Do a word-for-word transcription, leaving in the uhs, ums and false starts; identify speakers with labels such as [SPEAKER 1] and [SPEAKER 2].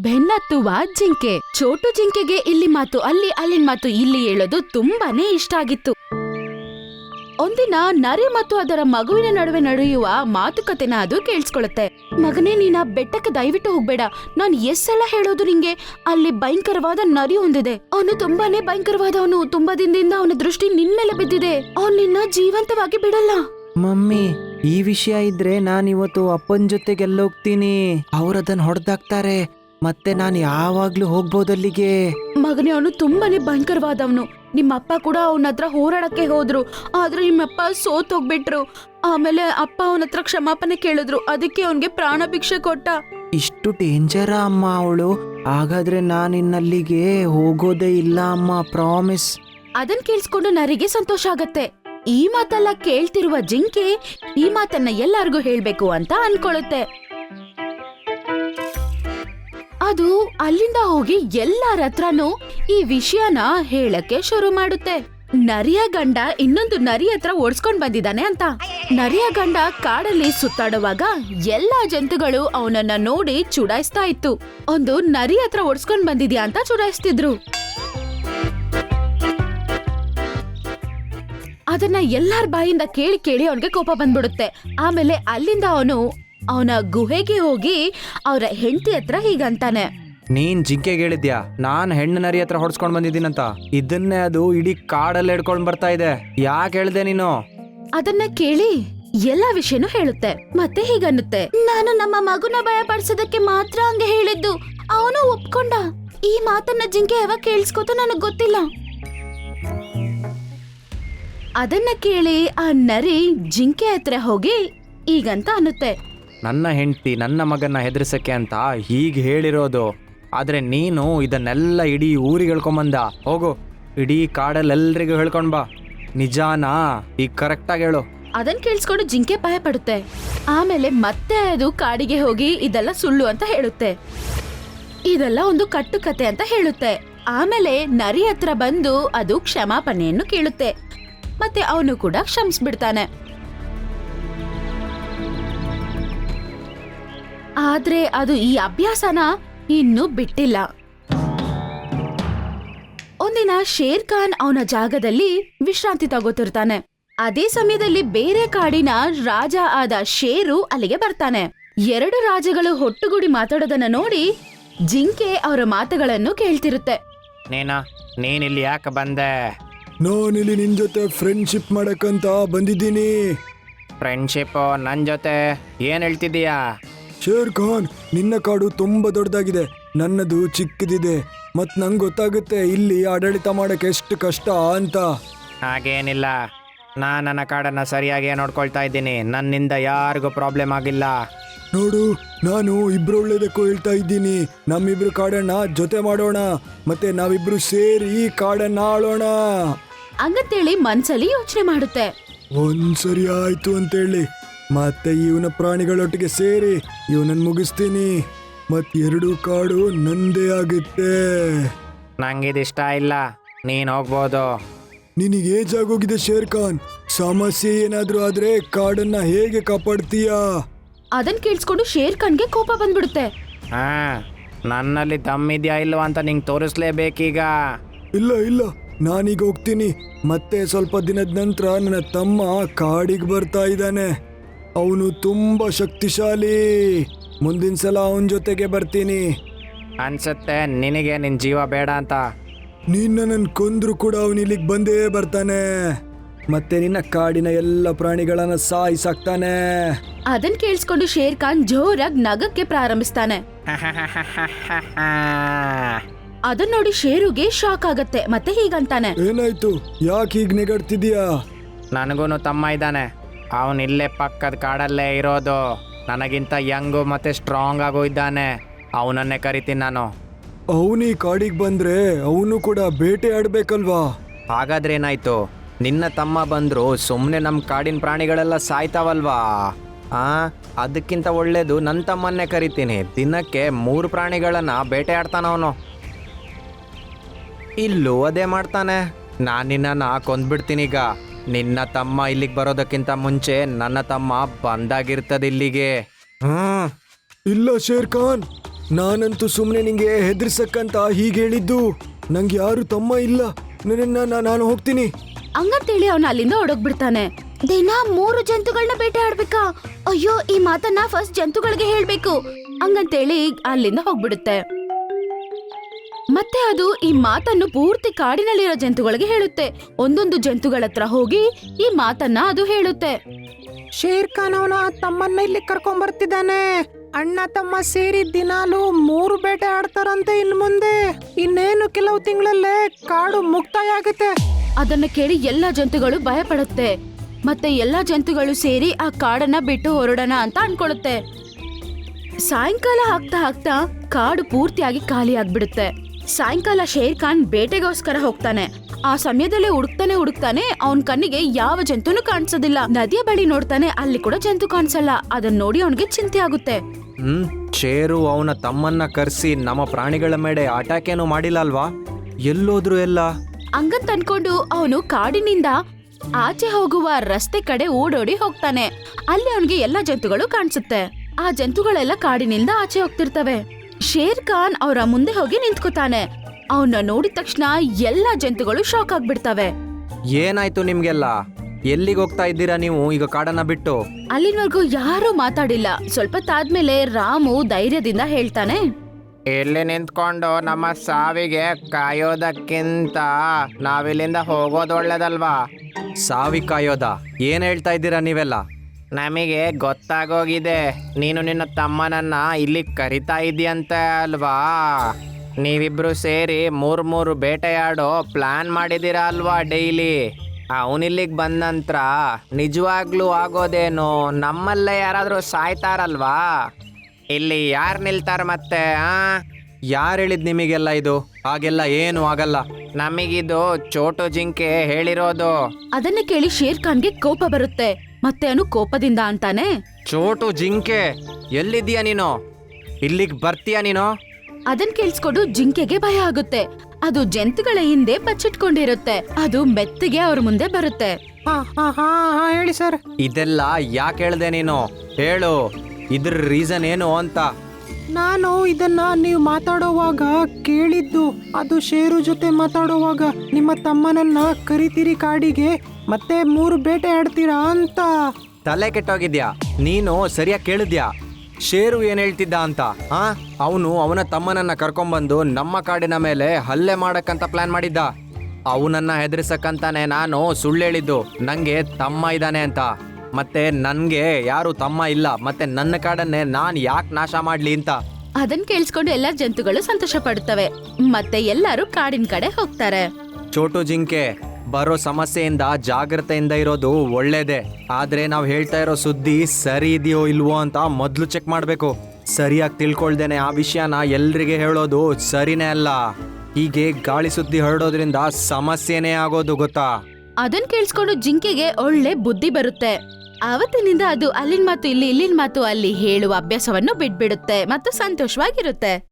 [SPEAKER 1] ಬೆನ್ನತ್ತುವ ಜಿಂಕೆ. ಚೋಟು ಜಿಂಕೆಗೆ ಇಲ್ಲಿ ಮಾತು ಅಲ್ಲಿ, ಅಲ್ಲಿನ ಮಾತು ಇಲ್ಲಿ ಹೇಳೋದು ತುಂಬಾನೇ ಇಷ್ಟ ಆಗಿತ್ತು. ಒಂದಿನ ನರಿ ಮತ್ತು ಅದರ ಮಗುವಿನ ನಡುವೆ ನಡೆಯುವ ಮಾತುಕತೆನ ಅದು ಕೇಳಿಸ್ಕೊಳ್ಳುತ್ತೆ. ಮಗನೇ, ನೀನ ಬೆಟ್ಟಕ್ಕೆ ದಯವಿಟ್ಟು ಹೋಗ್ಬೇಡ. ನಾನ್ ಎಷ್ಟೆಲ್ಲ ಹೇಳೋದು ನಿಂಗೆ. ಅಲ್ಲಿ ಭಯಂಕರವಾದ ನರಿ ಹೊಂದಿದೆ. ಅವನು ತುಂಬಾನೇ ಭಯಂಕರವಾದವನು. ತುಂಬಾ ದಿನದಿಂದ ಅವನ ದೃಷ್ಟಿ ನಿನ್ ಮೇಲೆ ಬಿದ್ದಿದೆ. ಅವನ್ ನಿನ್ನ ಜೀವಂತವಾಗಿ ಬಿಡಲ್ಲ.
[SPEAKER 2] ಮಮ್ಮಿ, ಈ ವಿಷಯ ಇದ್ರೆ ನಾನಿವತ್ತು ಅಪ್ಪನ ಜೊತೆಗೆಲ್ಲೋಗ್ತೀನಿ. ಅವ್ರದನ್ನ ಹೊಡೆದಾಕ್ತಾರೆ, ಮತ್ತೆ ನಾನು ಯಾವಾಗ್ಲೂ ಹೋಗ್ಬೋದಲ್ಲಿಗೆ.
[SPEAKER 1] ಮಗನೇ, ಅವನು ತುಂಬಾನೇ ಭಯಂಕರವಾದವನು. ನಿಮ್ಮಪ್ಪ ಕೂಡ ಅವನ ಹತ್ರ ಹೋರಾಡಕ್ಕೆ ಹೋದ್ರು, ಆದ್ರೆ ನಿಮ್ಮಪ್ಪ ಸೋತ್ ಹೋಗ್ಬಿಟ್ರು. ಆಮೇಲೆ ಅಪ್ಪ ಅವನ ಹತ್ರ ಕ್ಷಮಾಪಣೆ ಕೇಳಿದ್ರು, ಅದಕ್ಕೆ ಅವನ್ಗೆ ಪ್ರಾಣ ಭಿಕ್ಷೆ ಕೊಟ್ಟ.
[SPEAKER 2] ಇಷ್ಟು ಡೇಂಜರ ಅಮ್ಮ ಅವಳು? ಹಾಗಾದ್ರೆ ನಾನಿನ್ನಲ್ಲಿಗೆ ಹೋಗೋದೇ ಇಲ್ಲ ಅಮ್ಮ, ಪ್ರಾಮಿಸ್.
[SPEAKER 1] ಅದನ್ ಕೇಳಿಸ್ಕೊಂಡು ನರಿಗೆ ಸಂತೋಷ ಆಗತ್ತೆ. ಈ ಮಾತೆಲ್ಲ ಕೇಳ್ತಿರುವ ಜಿಂಕೆ ಈ ಮಾತನ್ನ ಎಲ್ಲಾರ್ಗೂ ಹೇಳ್ಬೇಕು ಅಂತ ಅನ್ಕೊಳ್ಳುತ್ತೆ. ಅದು ಅಲ್ಲಿಂದ ಹೋಗಿ ಎಲ್ಲಾರ ಹತ್ರನೂ ಈ ವಿಷಯನ ಹೇಳಕ್ಕೆ ಶುರು ಮಾಡುತ್ತೆ. ನರಿಯ ಗಂಡ ಇನ್ನೊಂದು ನರಿ ಹತ್ರ ಓಡಿಸ್ಕೊಂಡ್ ಬಂದಿದ್ದಾನೆ ಅಂತ. ನರಿಯ ಗಂಡ ಕಾಡಲ್ಲಿ ಸುತ್ತಾಡುವಾಗ ಎಲ್ಲಾ ಜಂತುಗಳು ಅವನನ್ನ ನೋಡಿ ಚುಡಾಯಿಸ್ತಾ ಇತ್ತು. ಒಂದು ನರಿ ಹತ್ರ ಓಡಿಸ್ಕೊಂಡ್ ಬಂದಿದ್ಯಾ ಅಂತ ಚುಡಾಯಿಸ್ತಿದ್ರು. ಅದನ್ನ ಎಲ್ಲಾರ ಬಾಯಿಂದ ಕೇಳಿ ಕೇಳಿ ಅವನಿಗೆ ಕೋಪ ಬಂದ್ಬಿಡುತ್ತೆ. ಆಮೇಲೆ ಅಲ್ಲಿಂದ ಅವನು ಅವನ ಗುಹೆಗೆ ಹೋಗಿ ಅವರ ಹೆಂಡತಿ ಹತ್ರ ಹೀಗಂತಾನೆ.
[SPEAKER 2] ನೀನ್ ಜಿಂಕೆಗೆ ಹೇಳಿದ್ಯಾ ನಾನ್ ಹೆಣ್ಣು ನರಿ ಹತ್ರ ಹೊಡ್ಸ್ಕೊಂಡ್ ಬಂದಿದ್ದೀನಂತ? ಇದನ್ನೇ ಅದು ಇಡೀ ಕಾಡಲ್ಲಿ ಹಿಡ್ಕೊಂಡ್ ಬರ್ತಾ ಇದೆ. ಯಾಕೆ ಹೇಳ್ದೆ ನೀನು?
[SPEAKER 1] ಅದನ್ನ ಕೇಳಿ ಎಲ್ಲಾ ವಿಷಯನೂ ಹೇಳುತ್ತೆ. ಮತ್ತೆ ಹೀಗನ್ನುತ್ತೆ, ನಾನು ನಮ್ಮ ಮಗುನ ಭಯ ಪಡಿಸೋದಕ್ಕೆ ಮಾತ್ರ ಹಂಗೆ ಹೇಳಿದ್ದು. ಅವನು ಒಪ್ಕೊಂಡ. ಈ ಮಾತನ್ನ ಜಿಂಕೆ ಯಾವಾಗ ಕೇಳಿಸ್ಕೋತ ನನಗ್ ಗೊತ್ತಿಲ್ಲ. ಅದನ್ನ ಕೇಳಿ ಆ ನರಿ ಜಿಂಕೆ ಹತ್ರ ಹೋಗಿ ಈಗಂತ ಅನ್ನುತ್ತೆ,
[SPEAKER 2] ನನ್ನ ಹೆಂಡತಿ ನನ್ನ ಮಗನ್ನ ಹೆದರ್ಸಕ್ಕೆ ಅಂತ ಹೀಗೆ ಹೇಳಿರೋದು. ಆದ್ರೆ ನೀನು ಇದನ್ನೆಲ್ಲ ಇಡೀ ಊರಿಗೆ ಹೇಳ್ಕೊಂಬಂದ. ಹೋಗು, ಇಡೀ ಕಾಡಲ್ಲೆಲ್ರಿಗೂ ಹೇಳ್ಕೊಂಡ್ ಬಾ. ನಿಜಾನಾ? ಈಗ ಕರೆಕ್ಟಾಗಿ ಹೇಳು.
[SPEAKER 1] ಅದನ್ ಕೇಳಿಸ್ಕೊಂಡು ಜಿಂಕೆ ಭಯ ಪಡುತ್ತೆ. ಆಮೇಲೆ ಮತ್ತೆ ಅದು ಕಾಡಿಗೆ ಹೋಗಿ ಇದೆಲ್ಲ ಸುಳ್ಳು ಅಂತ ಹೇಳುತ್ತೆ. ಇದೆಲ್ಲ ಒಂದು ಕಟ್ಟುಕತೆ ಅಂತ ಹೇಳುತ್ತೆ. ಆಮೇಲೆ ನರಿ ಹತ್ರ ಬಂದು ಅದು ಕ್ಷಮಾಪಣೆಯನ್ನು ಕೇಳುತ್ತೆ. ಮತ್ತೆ ಅವನು ಕೂಡ ಕ್ಷಮಿಸ್ಬಿಡ್ತಾನೆ. ಆದ್ರೆ ಅದು ಈ ಅಭ್ಯಾಸನ ಇನ್ನೂ ಬಿಟ್ಟಿಲ್ಲ. ಒಂದಿನ ಶೇರ್ ಖಾನ್ ಅವನ ಜಾಗದಲ್ಲಿ ವಿಶ್ರಾಂತಿ ತಗೋತಿರ್ತಾನೆ. ಅದೇ ಸಮಯದಲ್ಲಿ ಬೇರೆ ಕಾಡಿನ ರಾಜ ಆದ ಶೇರು ಅಲ್ಲಿಗೆ ಬರ್ತಾನೆ. ಎರಡು ರಾಜಗಳು ಒಟ್ಟುಗೂಡಿ ಮಾತಾಡೋದನ್ನ ನೋಡಿ ಜಿಂಕೆ ಅವರ ಮಾತುಗಳನ್ನು ಕೇಳ್ತಿರುತ್ತೆ.
[SPEAKER 2] ನೀನಾ ನೀನಿಲ್ಲಿ ಯಾಕೆ ಬಂದೆ?
[SPEAKER 3] ನಾನಿಲ್ಲಿ ನಿನ್ ಜೊತೆ ಫ್ರೆಂಡ್ಶಿಪ್ ಮಾಡಕ್ಕಂತ ಬಂದಿದ್ದೀನಿ.
[SPEAKER 2] ಫ್ರೆಂಡ್ಶಿಪ್ ನನ್ನ ಜೊತೆ? ಏನ್ ಹೇಳ್ತಿದ್ದೀಯಾ?
[SPEAKER 3] ಶೇರ್ ಖಾನ್, ನಿನ್ನ ಕಾಡು ತುಂಬಾ ದೊಡ್ಡದಾಗಿದೆ, ನನ್ನದು ಚಿಕ್ಕದಿದೆ. ಮತ್ ನಂಗೆ ಗೊತ್ತಾಗುತ್ತೆ ಇಲ್ಲಿ ಆಡಳಿತ ಮಾಡಕ್ಕೆ ಎಷ್ಟು ಕಷ್ಟ ಅಂತ.
[SPEAKER 2] ಹಾಗೇನಿಲ್ಲ, ನಾನು ನನ್ನ ಕಾಡನ್ನ ಸರಿಯಾಗಿ ನೋಡ್ಕೊಳ್ತಾ ಇದ್ದೀನಿ. ನನ್ನಿಂದ ಯಾರಿಗೂ ಪ್ರಾಬ್ಲಮ್ ಆಗಿಲ್ಲ.
[SPEAKER 3] ನೋಡು, ನಾನು ಇಬ್ರು ಒಳ್ಳೇದಕ್ಕೂ ಹೇಳ್ತಾ ಇದ್ದೀನಿ. ನಮ್ಮಿಬ್ರು ಕಾಡನ್ನ ಜೊತೆ ಮಾಡೋಣ, ಮತ್ತೆ ನಾವಿಬ್ರು ಸೇರಿ ಈ ಕಾಡನ್ನ ಆಳೋಣ
[SPEAKER 1] ಹಂಗಂತೇಳಿ ಮನ್ಸಲ್ಲಿ ಯೋಚನೆ ಮಾಡುತ್ತೆ.
[SPEAKER 3] ಒಂದ್ಸರಿ ಆಯ್ತು ಅಂತೇಳಿ ಮತ್ತೆ ಇವನ ಪ್ರಾಣಿಗಳೊಟ್ಟಿಗೆ ಸೇರಿ ಇವನನ್ನ ಮುಗಿಸ್ತೀನಿ. ಮತ್ ಎರಡು ಕಾಡು ನಂದೇ ಆಗುತ್ತೆ.
[SPEAKER 2] ನಂಗಿದಿಷ್ಟ ಇಲ್ಲ, ನೀನ್ ಹೋಗ್ಬೋದು.
[SPEAKER 3] ನಿನಗೆ ಏಜ್ ಆಗೋಗಿದೆ ಶೇರ್ ಖಾನ್. ಸಮಸ್ಯೆ ಏನಾದ್ರೂ ಆದ್ರೆ ಕಾಡನ್ನ ಹೇಗೆ ಕಾಪಾಡ್ತೀಯಾ?
[SPEAKER 1] ಅದನ್ ಕೇಳಿಸ್ಕೊಂಡು ಶೇರ್ ಖಾನ್ಗೆ ಕೋಪ ಬಂದ್ಬಿಡುತ್ತೆ.
[SPEAKER 2] ಹಾ, ನನ್ನಲ್ಲಿ ದಮ್ಮಿದ್ಯಾ ಇಲ್ವಾ ಅಂತ ನಿಂಗೆ ತೋರಿಸ್ಲೇಬೇಕೀಗ.
[SPEAKER 3] ಇಲ್ಲ ಇಲ್ಲ, ನಾನೀಗ ಹೋಗ್ತೀನಿ. ಮತ್ತೆ ಸ್ವಲ್ಪ ದಿನದ ನಂತರ ನನ್ನ ತಮ್ಮ ಕಾಡಿಗೆ ಬರ್ತಾ ಇದ್ದಾನೆ. ಅವನು ತುಂಬಾ ಶಕ್ತಿಶಾಲಿ. ಮುಂದಿನ ಸಲ ಅವನ ಜೊತೆಗೆ ಬರ್ತೀನಿ.
[SPEAKER 2] ಅನ್ಸುತ್ತೆ ನಿನಗೆ ನಿನ್ ಜೀವ ಬೇಡ ಅಂತ.
[SPEAKER 3] ನಿನ್ನ ನನ್ ಕೊಂದ್ರು ಕೂಡ ಅವನು ಇಲ್ಲಿಗೆ ಬಂದೇ ಬರ್ತಾನೆ. ಮತ್ತೆ ನಿನ್ನ ಕಾಡಿನ ಎಲ್ಲ ಪ್ರಾಣಿಗಳನ್ನ ಸಾಯಿಸಾಕ್ತಾನೆ.
[SPEAKER 1] ಅದನ್ ಕೇಳಿಸ್ಕೊಂಡು ಶೇರ್ ಖಾನ್ ಜೋರಾಗಿ ನಗಕ್ಕೆ ಪ್ರಾರಂಭಿಸ್ತಾನೆ. ಅದನ್ನ ನೋಡಿ ಶೇರುಗೆ ಶಾಕ್ ಆಗತ್ತೆ. ಮತ್ತೆ ಹೀಗಂತಾನೆ,
[SPEAKER 3] ಏನಾಯ್ತು? ಯಾಕೆ ಹೀಗ್ ನೆಗಡ್ತಿದ್ಯಾ?
[SPEAKER 2] ನನಗೂನು ತಮ್ಮ ಇದ್ದಾನೆ. ಅವನ್ ಇಲ್ಲೇ ಪಕ್ಕದ ಕಾಡಲ್ಲೇ ಇರೋದು. ನನಗಿಂತ ಯಂಗು ಮತ್ತೆ ಸ್ಟ್ರಾಂಗ್ ಆಗೋ ಇದ್ದಾನೆ. ಅವನನ್ನೇ ಕರಿತೀನಿ ನಾನು.
[SPEAKER 3] ಅವನು ಈ ಕಾಡಿಗೆ ಬಂದ್ರೆ ಅವನು ಕೂಡ ಬೇಟೆ ಆಡ್ಬೇಕಲ್ವಾ?
[SPEAKER 2] ಹಾಗಾದ್ರೆ ಏನಾಯ್ತು? ನಿನ್ನ ತಮ್ಮ ಬಂದ್ರು ಸುಮ್ಮನೆ ನಮ್ಮ ಕಾಡಿನ ಪ್ರಾಣಿಗಳೆಲ್ಲ ಸಾಯ್ತಾವಲ್ವಾ? ಆ ಅದಕ್ಕಿಂತ ಒಳ್ಳೇದು ನನ್ನ ತಮ್ಮನ್ನೇ ಕರಿತೀನಿ. ದಿನಕ್ಕೆ ಮೂರು ಪ್ರಾಣಿಗಳನ್ನ ಬೇಟೆ ಆಡ್ತಾನವನು. ಇಲ್ಲೂ ಅದೇ ಮಾಡ್ತಾನೆ. ನಾನು ನಿನ್ನನ್ನು ಕೊಂದ್ಬಿಡ್ತೀನಿ. ಈಗ ನಿನ್ನ ತಮ್ಮ ಇಲ್ಲಿಗೆ ಬರೋದಕ್ಕಿಂತ ಮುಂಚೆ ನನ್ನ ತಮ್ಮ ಬಂದಾಗಿರ್ತದೆ ಇಲ್ಲಿಗೆ. ಹ್ಮ್
[SPEAKER 3] ಇಲ್ಲ ಶೇರ್ ಖಾನ್, ನಾನಂತೂ ಸುಮ್ಮನೆ ನಿಂಗೆ ಹೆದರ್ಸಕ್ಕಂತ ಹೀಗೆ ಹೇಳಿದ್ದು. ನಂಗೆ ಯಾರು ತಮ್ಮ ಇಲ್ಲ. ನನ್ನ ನಾನು ಹೋಗ್ತೀನಿ.
[SPEAKER 1] ಹಂಗಂತೇಳಿ ಅವನ ಅಲ್ಲಿಂದ ಹೊಡೋಗ್ಬಿಡ್ತಾನೆ. ದಿನ ಮೂರು ಜಂತುಗಳನ್ನ ಬೇಟೆ ಆಡ್ಬೇಕಾ? ಅಯ್ಯೋ, ಈ ಮಾತನ್ನ ಫಸ್ಟ್ ಜಂತುಗಳಿಗೆ ಹೇಳ್ಬೇಕು ಹಂಗಂತೇಳಿ ಅಲ್ಲಿಂದ ಹೋಗ್ಬಿಡುತ್ತೆ. ಮತ್ತೆ ಅದು ಈ ಮಾತನ್ನು ಪೂರ್ತಿ ಕಾಡಿನಲ್ಲಿರೋ ಜಂತುಗಳಿಗೆ ಹೇಳುತ್ತೆ. ಒಂದೊಂದು ಜಂತುಗಳ ಹತ್ರ ಹೋಗಿ ಈ ಮಾತನ್ನ ಅದು ಹೇಳುತ್ತೆ.
[SPEAKER 4] ಶೇರ್ ಖಾನ್ ಅವನ ತಮ್ಮನ್ನ ಇಲ್ಲಿ ಕರ್ಕೊಂಡ್ ಬರ್ತಿದ್ದಾನೆ. ಅಣ್ಣ ತಮ್ಮ ಸೇರಿ ದಿನಾಲು ಮೂರು ಬೇಟೆ ಆಡ್ತಾರಂತೆ. ಇನ್ ಮುಂದೆ ಇನ್ನೇನು ಕೆಲವು ತಿಂಗಳಲ್ಲೇ ಕಾಡು ಮುಕ್ತಾಯ ಆಗುತ್ತೆ.
[SPEAKER 1] ಅದನ್ನ ಕೇಳಿ ಎಲ್ಲಾ ಜಂತುಗಳು ಭಯ ಪಡುತ್ತೆ. ಮತ್ತೆ ಎಲ್ಲಾ ಜಂತುಗಳು ಸೇರಿ ಆ ಕಾಡನ್ನ ಬಿಟ್ಟು ಹೊರಡೋಣ ಅಂತ ಅನ್ಕೊಳ್ಳುತ್ತೆ. ಸಾಯಂಕಾಲ ಆಗ್ತಾ ಆಗ್ತಾ ಕಾಡು ಪೂರ್ತಿಯಾಗಿ ಖಾಲಿ ಆಗ್ಬಿಡುತ್ತೆ. ಸಾಯಂಕಾಲ ಶೇರ್ ಖಾನ್ ಬೇಟೆಗೋಸ್ಕರ ಹೋಗ್ತಾನೆ. ಆ ಸಮಯದಲ್ಲೇ ಹುಡುಕ್ತಾನೆ ಹುಡುಕ್ತಾನೆ ಅವನ್ ಕಣ್ಣಿಗೆ ಯಾವ ಜಂತುನು ಕಾಣಿಸೋದಿಲ್ಲ. ನದಿಯ ಬಳಿ ನೋಡ್ತಾನೆ, ಅಲ್ಲಿ ಕೂಡ ಜಂತು ಕಾಣಿಸಲ್ಲ. ಅದನ್ನ ನೋಡಿ ಅವನಿಗೆ ಚಿಂತೆ ಆಗುತ್ತೆ.
[SPEAKER 2] ಹ್ಮ್ ಶೇರು ಅವನ ತಮ್ಮನ್ನ ಕರೆಸಿ ನಮ್ಮ ಪ್ರಾಣಿಗಳ ಮೇಲೆ ಅಟ್ಯಾಕ್ ಏನು ಮಾಡಿಲ್ಲ ಅಲ್ವಾ? ಎಲ್ಲೋದ್ರು ಎಲ್ಲ?
[SPEAKER 1] ಹಂಗಂತ ಅನ್ಕೊಂಡು ಅವನು ಕಾಡಿನಿಂದ ಆಚೆ ಹೋಗುವ ರಸ್ತೆ ಕಡೆ ಓಡೋಡಿ ಹೋಗ್ತಾನೆ. ಅಲ್ಲಿ ಅವನಿಗೆ ಎಲ್ಲಾ ಜಂತುಗಳು ಕಾಣಿಸುತ್ತೆ. ಆ ಜಂತುಗಳೆಲ್ಲ ಕಾಡಿನಿಂದ ಆಚೆ ಹೋಗ್ತಿರ್ತವೆ. ಶೇರ್ ಖಾನ್ ಅವರ ಮುಂದೆ ಹೋಗಿ ನಿಂತ್ಕೋತಾನೆ. ಅವನ್ನ ನೋಡಿದ ತಕ್ಷಣ ಎಲ್ಲಾ ಜಂತುಗಳು ಶಾಕ್ ಆಗ್ಬಿಡ್ತವೆ.
[SPEAKER 2] ಏನಾಯ್ತು ನಿಮ್ಗೆಲ್ಲ? ಎಲ್ಲಿಗೆ ಹೋಗ್ತಾ ಇದ್ದೀರಾ ನೀವು ಈಗ ಕಾಡನ್ನ ಬಿಟ್ಟು?
[SPEAKER 1] ಅಲ್ಲಿನವರೆಗೂ ಯಾರೂ ಮಾತಾಡಿಲ್ಲ. ಸ್ವಲ್ಪ ತಾದ್ಮೇಲೆ ರಾಮು ಧೈರ್ಯದಿಂದ ಹೇಳ್ತಾನೆ,
[SPEAKER 4] ಇಲ್ಲಿ ನಿಂತ್ಕೊಂಡು ನಮ್ಮ ಸಾವಿಗೆ ಕಾಯೋದಕ್ಕಿಂತ ನಾವಿಲ್ಲಿಂದ ಹೋಗೋದು ಒಳ್ಳೇದಲ್ವಾ?
[SPEAKER 2] ಸಾವಿ ಕಾಯೋದ? ಏನ್ ಹೇಳ್ತಾ ಇದ್ದೀರಾ ನೀವೆಲ್ಲ?
[SPEAKER 4] ನಮಗೆ ಗೊತ್ತಾಗೋಗಿದೆ, ನೀನು ನಿನ್ನ ತಮ್ಮನನ್ನ ಇಲ್ಲಿ ಕರಿತಾ ಇದೆಯಂತೆ ಅಲ್ವಾ? ನೀವಿಬ್ರು ಸೇರಿ ಮೂರು ಮೂರು ಬೇಟೆಯಾಡೋ ಪ್ಲಾನ್ ಮಾಡಿದ್ದೀರಾ ಅಲ್ವಾ ಡೈಲಿ? ಅವನಿಲ್ಲಿಗೆ ಬಂದ ನಂತರ ನಿಜವಾಗ್ಲೂ ಆಗೋದೇನು? ನಮ್ಮಲ್ಲೇ ಯಾರಾದರೂ ಸಾಯ್ತಾರಲ್ವಾ? ಇಲ್ಲಿ ಯಾರು ನಿಲ್ತಾರ ಮತ್ತೆ? ಆ
[SPEAKER 2] ಯಾರು ಹೇಳಿದ್ ನಿಮಗೆಲ್ಲ ಇದು? ಹಾಗೆಲ್ಲ ಏನು ಆಗಲ್ಲ.
[SPEAKER 4] ನಮಗಿದು ಚೋಟು ಜಿಂಕೆ ಹೇಳಿರೋದು.
[SPEAKER 1] ಅದನ್ನ ಕೇಳಿ ಶೇರ್ ಖಾನ್ಗೆ ಕೋಪ ಬರುತ್ತೆ. ಮತ್ತೆ ಅವನು ಕೋಪದಿಂದ ಅಂತಾನೆ,
[SPEAKER 2] ಚೋಟು ಜಿಂಕೆ ಎಲ್ಲಿದ್ದೀಯ ನೀನು? ಇಲ್ಲಿಗೆ ಬರ್ತೀಯ ನೀನು?
[SPEAKER 1] ಅದನ್ ಕೇಳಿಸ್ಕೊಂಡು ಜಿಂಕೆಗೆ ಭಯ ಆಗುತ್ತೆ. ಅದು ಜಂತುಗಳ ಹಿಂದೆ ಬಚ್ಚಿಟ್ಕೊಂಡಿರುತ್ತೆ. ಅದು ಮೆತ್ತಗೆ ಅವ್ರ ಮುಂದೆ ಬರುತ್ತೆ.
[SPEAKER 4] ಹಾ ಹಾ ಹಾ ಹೇಳಿ ಸರ್.
[SPEAKER 2] ಇದೆಲ್ಲ ಯಾಕೆ ಹೇಳ್ದೆ ನೀನು? ಹೇಳು, ಇದ್ರ ರೀಸನ್ ಏನು ಅಂತ.
[SPEAKER 4] ನಾನು ಇದನ್ನ ನೀವು ಮಾತಾಡೋವಾಗ ಕೇಳಿದ್ದು. ಅದು ಶೇರು ಜೊತೆ ಮಾತಾಡೋವಾಗ ನಿಮ್ಮ ತಮ್ಮನನ್ನ ಕರಿತೀರಿ ಕಾಡಿಗೆ, ಮತ್ತೆ ಮೂರು ಬೇಟೆ ಆಡ್ತೀರಾ ಅಂತ.
[SPEAKER 2] ತಲೆ ಕೆಟ್ಟೋಗಿದ್ಯಾ ನೀನು? ಸರಿಯಾಗಿ ಕೇಳಿದ್ಯಾ ಶೇರು ಏನ್ ಹೇಳ್ತಿದ್ದ ಅಂತ? ಹಾ, ಅವನು ಅವನ ತಮ್ಮನನ್ನ ಕರ್ಕೊಂಡ್ಬಂದು ನಮ್ಮ ಕಾಡಿನ ಮೇಲೆ ಹಲ್ಲೆ ಮಾಡಕ್ಕಂತ ಪ್ಲಾನ್ ಮಾಡಿದ್ದ. ಅವನನ್ನ ಹೆದರ್ಸಕ್ಕಂತಾನೆ ನಾನು ಸುಳ್ಳು ಹೇಳಿದ್ದು ನಂಗೆ ತಮ್ಮ ಇದ್ದಾನೆ ಅಂತ. ಮತ್ತೆ ನನ್ಗೆ ಯಾರು ತಮ್ಮ ಇಲ್ಲ, ಮತ್ತೆ ನನ್ನ ಕಾಡನ್ನೇ ನಾನ್ ಯಾಕೆ ನಾಶ ಮಾಡ್ಲಿ ಅಂತ.
[SPEAKER 1] ಅದನ್ ಕೇಳಿಸ್ಕೊಂಡು ಎಲ್ಲಾ ಜಂತುಗಳು ಸಂತೋಷ ಪಡುತ್ತವೆ. ಮತ್ತೆ ಎಲ್ಲರೂ ಕಾಡಿನ ಕಡೆ ಹೋಗ್ತಾರೆ.
[SPEAKER 2] ಚೋಟು ಜಿಂಕೆ, ಬರೋ ಸಮಸ್ಯೆಯಿಂದ ಜಾಗ್ರತೆಯಿಂದ ಇರೋದು ಒಳ್ಳೇದೇ. ಆದ್ರೆ ನಾವು ಹೇಳ್ತಾ ಇರೋ ಸುದ್ದಿ ಸರಿ ಇದೆಯೋ ಇಲ್ವೋ ಅಂತ ಮೊದ್ಲು ಚೆಕ್ ಮಾಡ್ಬೇಕು. ಸರಿಯಾಗಿ ತಿಳ್ಕೊಳ್ದೇನೆ ಆ ವಿಷಯನ ಎಲ್ರಿಗೆ ಹೇಳೋದು ಸರಿನೇ ಅಲ್ಲ. ಹೀಗೆ ಗಾಳಿ ಸುದ್ದಿ ಹರಡೋದ್ರಿಂದ ಸಮಸ್ಯೆನೇ ಆಗೋದು, ಗೊತ್ತಾ?
[SPEAKER 1] ಅದನ್ ಕೇಳಿಸ್ಕೊಂಡು ಜಿಂಕೆಗೆ ಒಳ್ಳೆ ಬುದ್ಧಿ ಬರುತ್ತೆ. ಆವತ್ತಿನಿಂದ ಅದು ಅಲ್ಲಿನ ಮಾತು ಇಲ್ಲಿ, ಇಲ್ಲಿನ ಮಾತು ಅಲ್ಲಿ ಹೇಳುವ ಅಭ್ಯಾಸವನ್ನು ಬಿಟ್ಬಿಡುತ್ತೆ ಮತ್ತು ಸಂತೋಷವಾಗಿರುತ್ತೆ.